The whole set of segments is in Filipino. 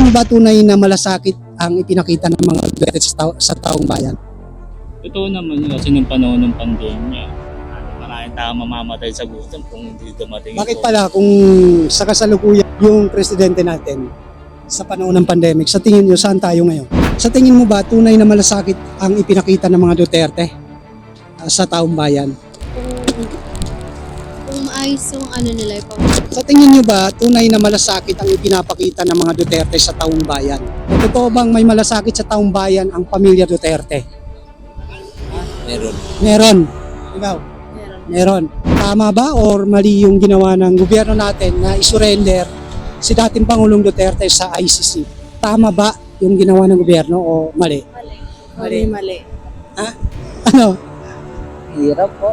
mo ba tunay na malasakit ang ipinakita ng mga Duterte sa taong bayan? Totoo naman yun kasi nung panahon ng pandemya, maraming tao mamamatay sa gutom kung hindi dumating Bakit ito. pala kung sa kasalukuyan yung presidente natin sa panahon ng pandemic, sa tingin nyo saan tayo ngayon? Sa tingin mo ba tunay na malasakit ang ipinakita ng mga Duterte sa taong bayan? Kung maayos yung ano nila, Sa tingin nyo ba tunay na malasakit ang ipinapakita ng mga Duterte sa taong bayan? O totoo bang may malasakit sa taong bayan ang pamilya Duterte? Meron. Meron. Ikaw? meron. Meron. Tama ba or mali yung ginawa ng gobyerno natin na isurrender si dating Pangulong Duterte sa ICC? Tama ba yung ginawa ng gobyerno o mali? Mali. Mali. Ha? Ano? Hirap po.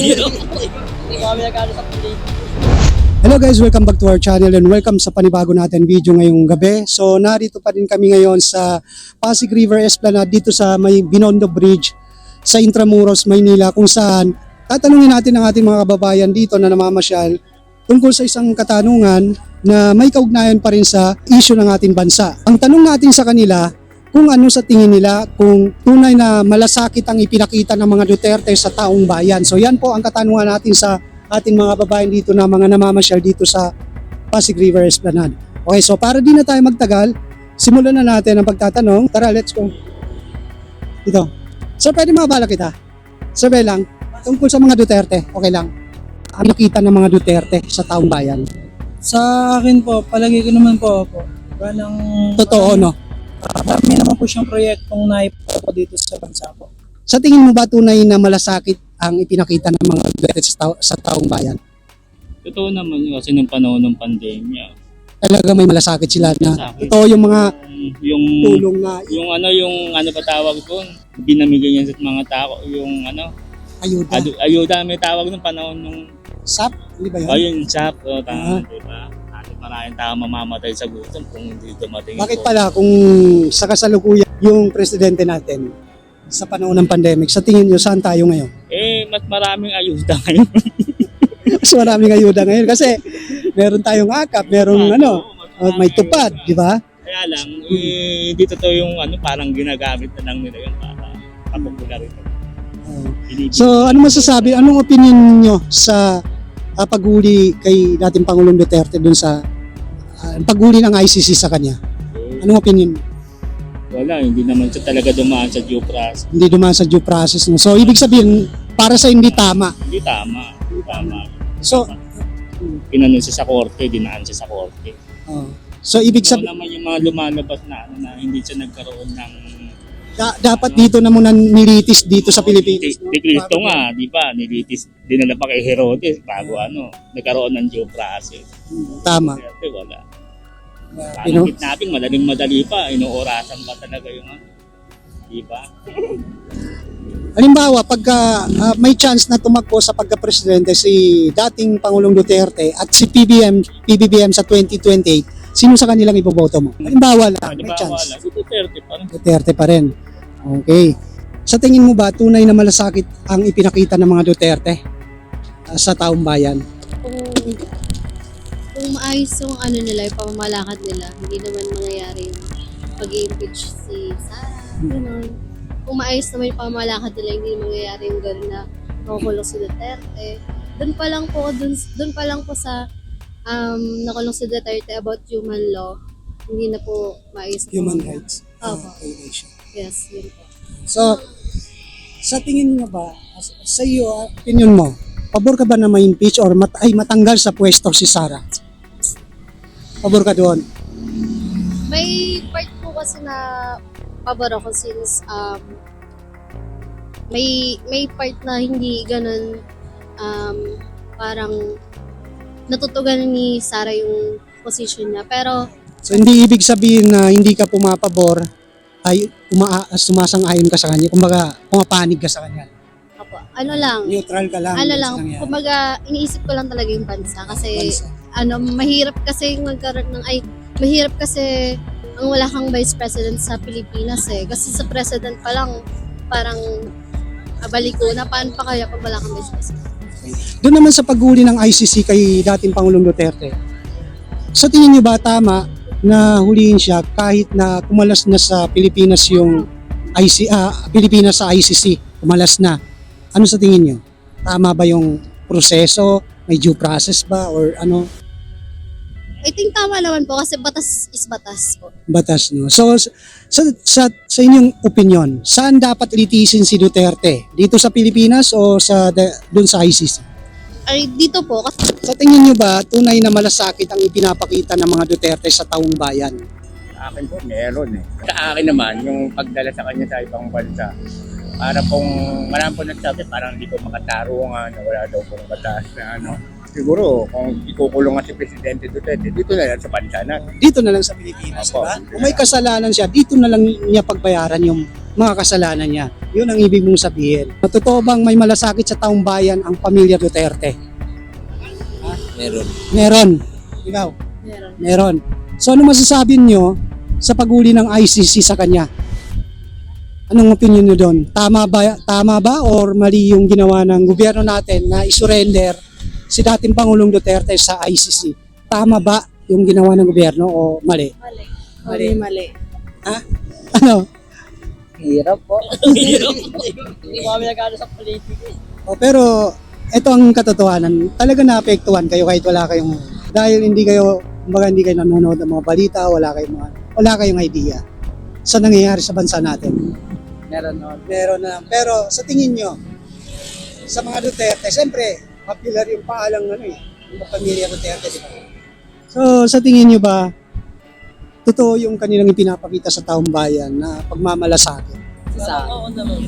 Hindi ko kami nagkano sa pili. Hello guys, welcome back to our channel and welcome sa panibago natin video ngayong gabi. So narito pa rin kami ngayon sa Pasig River Esplanade dito sa may Binondo Bridge sa Intramuros, Maynila, kung saan tatanungin natin ang ating mga kababayan dito na namamasyal tungkol sa isang katanungan na may kaugnayan pa rin sa issue ng ating bansa. Ang tanong natin sa kanila kung ano sa tingin nila kung tunay na malasakit ang ipinakita ng mga Duterte sa taong bayan. So yan po ang katanungan natin sa ating mga kababayan dito na mga namamasyal dito sa Pasig River Esplanade. Okay, so para di na tayo magtagal, simulan na natin ang pagtatanong. Tara, let's go. Dito. Sir, pwede mabala kita? Sabi lang, tungkol sa mga Duterte, okay lang. Ang nakita ng mga Duterte sa taong bayan. Sa akin po, palagi ko naman po ako. Parang Totoo, no? Marami naman po siyang proyektong naipo po dito sa bansa po. Sa tingin mo ba tunay na malasakit ang ipinakita ng mga Duterte sa taong bayan? Totoo naman yun kasi nung panahon ng pandemya. Talaga may malasakit sila na Malasakit. ito yung mga Yung tulong na yung ano ba tawag doon? Binamigay niya sa mga tao yung ayuda. ayuda may tawag nung panahon nung SAP, hindi ba yun? ayun shop, Ah. tama, di ba? Maraming tao mamamatay sa gutom kung hindi dumating Bakit ito. pala kung sa kasalukuyan yung presidente natin sa panahon ng pandemic, sa tingin nyo saan tayo ngayon? Mas maraming ayuda ngayon. Mas maraming ayuda ngayon kasi meron tayong akap, merong Mas may maraming tupad, ayuda. di ba? Kaya lang, hindi totoo yung parang ginagamit na lang nila yun para kapopularito. So ano masasabi, anong opinion nyo sa paghuli kay dating Pangulong Duterte dun sa paghuli ng ICC sa kanya? Anong opinion mo? Wala, hindi naman siya talaga dumaan sa due process. Hindi dumaan sa due process. No? So ibig sabihin, para sa hindi tama. Hindi tama. Hindi tama. So, Pinanon siya sa korte, dinaan siya sa korte. so ibig So sabihin, naman yung mga lumalabas na hindi siya nagkaroon ng dapat dito na muna nilitis dito sa Pilipinas. No? Ni Cristo nga, di ba? Nilitis, dinala pa kay Herodes bago nagkaroon ng due process. Tama. Duterte, wala. You know? Parang natin, madaling-madali pa, inuorasan pa talaga yung di ba? Halimbawa, pagka may chance na tumakbo sa pagka-presidente si dating Pangulong Duterte at si PBBM sa 2028, sino sa kanilang iboboto mo? Halimbawa lang, Di may ba? chance. Wala. Si Duterte pa rin. Duterte pa rin. Okay. Sa tingin mo ba tunay na malasakit ang ipinakita ng mga Duterte sa taong bayan? Kung maayos yung ano nila, yung pamamalakad nila, hindi naman mangyayari yung pag-impeach si Sara. Ganun. Kung maayos naman yung pamamalakad nila, hindi mangyayari yung gano'n na nakukulong si Duterte. Doon pa lang po sa nakulong si Duterte about human law, hindi na po maayos. Human rights Opo. violation. Yes, yun po. So, sa tingin mo ba, sa iyo, opinion mo, pabor ka ba na ma-impeach or matanggal sa pwesto si Sara? Pabor ka doon? May part po kasi na pabor ako since may part na hindi ganun parang natutugan ni Sara yung position niya. Pero So, hindi ibig sabihin na hindi ka pumapabor ay sumasang-ayon ka sa kanya. Kumbaga, pumapanig ka sa kanya. ako, ano lang, Neutral ka lang. ano sa lang, nangyari. kumbaga iniisip ko lang talaga yung bansa kasi Bansa. mahirap kasi magkaroon ng mahirap kasi ang wala kang vice president sa Pilipinas kasi sa president pa lang parang baliko na paano pa kaya pag wala kang vice president. Doon naman sa paghuli ng ICC kay dating Pangulong Duterte, sa tingin niyo ba tama na huliin siya kahit na kumalas na sa Pilipinas yung Pilipinas sa ICC, kumalas na. Ano sa tingin niyo? Tama ba yung proseso? May due process ba or ano? I think tama naman po kasi batas is batas po. Batas, no? So, sa inyong opinion, saan dapat litisin si Duterte? Dito sa Pilipinas o doon sa ICC? Ay, dito po kasi Sa tingin nyo ba, tunay na malasakit ang ipinapakita ng mga Duterte sa taong bayan? Sa akin po, meron eh. Sa akin naman, yung pagdala sa kanya sa ibang bansa, para pong marami po nagsabi, parang hindi ko makatarungan, wala daw pong batas na ano. Siguro, kung ikukulong nga si Presidente Duterte, dito na lang sa bansa natin. Dito na lang sa Pilipinas, Opo. diba? Kung may kasalanan siya, dito na lang niya pagbayaran yung mga kasalanan niya. Yun ang ibig mong sabihin. Totoo bang may malasakit sa taong bayan ang pamilya Duterte? Meron. Meron. Ikaw? meron. Meron. So ano masasabi niyo sa paghuli ng ICC sa kanya? Anong opinion niyo doon? Tama ba or mali yung ginawa ng gobyerno natin na isurrender si dating Pangulong Duterte sa ICC? Tama ba yung ginawa ng gobyerno o mali? Mali. Mali. Ano? Hirap po. Hindi kami nag-ano sa politika. Pero ito ang katotohanan. Talaga naapektuhan kayo kahit wala kayong dahil hindi kayo nanonood ng mga balita, wala kayong idea sa nangyayari sa bansa natin. Meron no. Meron na. Pero sa tingin nyo, sa mga Duterte, siyempre, popular yung paalang yung pamilya Duterte, di ba? So, sa tingin nyo ba, totoo yung kanilang ipinapakita sa taong bayan na pagmamalasakit? Sa oo naman.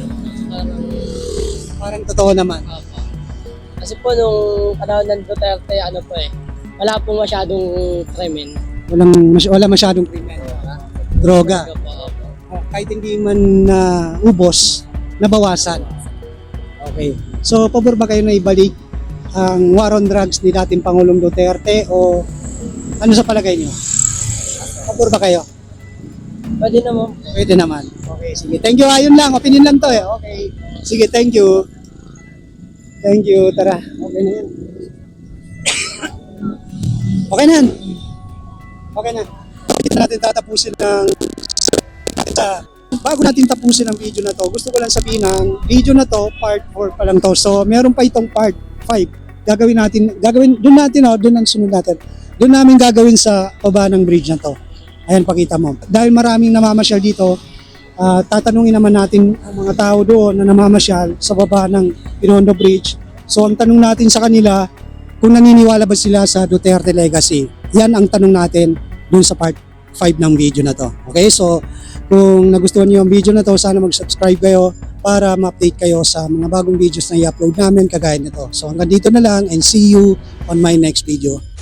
Parang totoo naman. Kasi po nung panahon ng Duterte, wala po masyadong krimen. Wala masyadong krimen. Droga. Kahit hindi man ubos, nabawasan. Okay. So, pabor ba kayo na ibalik ang war on drugs ni dating Pangulong Duterte o ano sa palagay niyo? Pabor ba kayo? Pwede naman. Pwede naman. Okay, sige. Thank you. Ayun lang. Opinion lang to eh. Okay. Sige, thank you. Thank you. Tara. Okay na yan. Okay na yan. Okay na. Dito natin tatapusin bago natin tapusin ang video na to, gusto ko lang sabihin ng video na to, part 4 pa lang to. So, meron pa itong part 5. Doon ang sunod natin. Doon namin gagawin sa baba ng bridge na to. Ayan, pakita mo. Dahil maraming namamasyal dito, tatanungin naman natin ang mga tao doon na namamasyal sa baba ng Binondo Bridge. So, ang tanong natin sa kanila, kung naniniwala ba sila sa Duterte Legacy. Yan ang tanong natin doon sa part 5 ng video na to. Okay, so kung nagustuhan niyo ang video na to, sana mag-subscribe kayo para ma-update kayo sa mga bagong videos na i-upload namin kagaya nito. So hanggang dito na lang and see you on my next video.